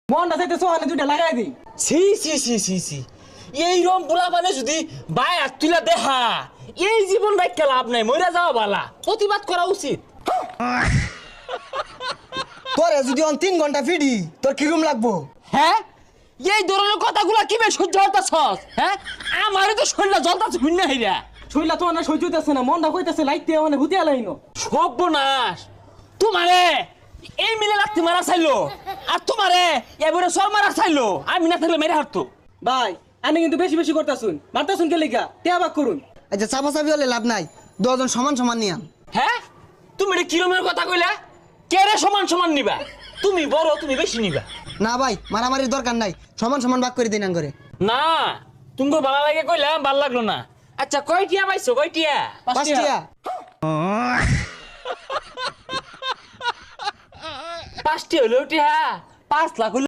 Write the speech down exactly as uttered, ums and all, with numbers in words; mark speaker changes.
Speaker 1: মনটা চাইতে সোহানে দুইটা লাগাই দিই।
Speaker 2: সি সি সি সি সি এই রম পোলা মানে যদি বাই হাত তুলা দেখা এই জীবন রাখতে লাভ নাই, মইরা যাওয়া বালা, প্রতিবাদ করা উচিত।
Speaker 3: তোরে যদি অন তিন ঘন্টা ফিডি তোর কিরম লাগবো?
Speaker 2: হ্যাঁ এই ধরনের কথাগুলা কিভাবে সহ্য হতাছস? হ্যাঁ আমারই তো শরীরটা জ্বলতাছে ভিন্ন হইরা।
Speaker 1: শৈলা তো না সহ্য হইতেছে না, মনটা কইতেছে লাইতে মানে হুতিয়া লাইনো।
Speaker 2: সর্বনাশ, তোমারে এই মিলে রাখতে মারা চাইলো আর তোমারে এবারে সব মারা চাইলো, আমি না থাকলে মেরে হারতো।
Speaker 1: ভাই আমি কিন্তু বেশি বেশি করতাছুন, মারতাছুন কে লিগা? টিয়া বাক করুন।
Speaker 3: আচ্ছা চাপা চাপি হলে লাভ নাই, দুজন সমান সমান নিয়াম।
Speaker 2: হ্যাঁ তুমি এটা কিরমের কথা কইলা? কে রে সমান সমান নিবা? তুমি বড়, তুমি বেশি নিবা।
Speaker 3: না ভাই মারামারির দরকার নাই, সমান সমান ভাগ করে দিন করে।
Speaker 2: না তুমি ভালো লাগে কইলাম, ভাল লাগলো না। আচ্ছা কয়টিয়া পাইছো? কয়টিয়া?
Speaker 3: পাঁচটিয়া।
Speaker 2: পাঁচটি হলো টিয়া, পাঁচ লাখ হইলো।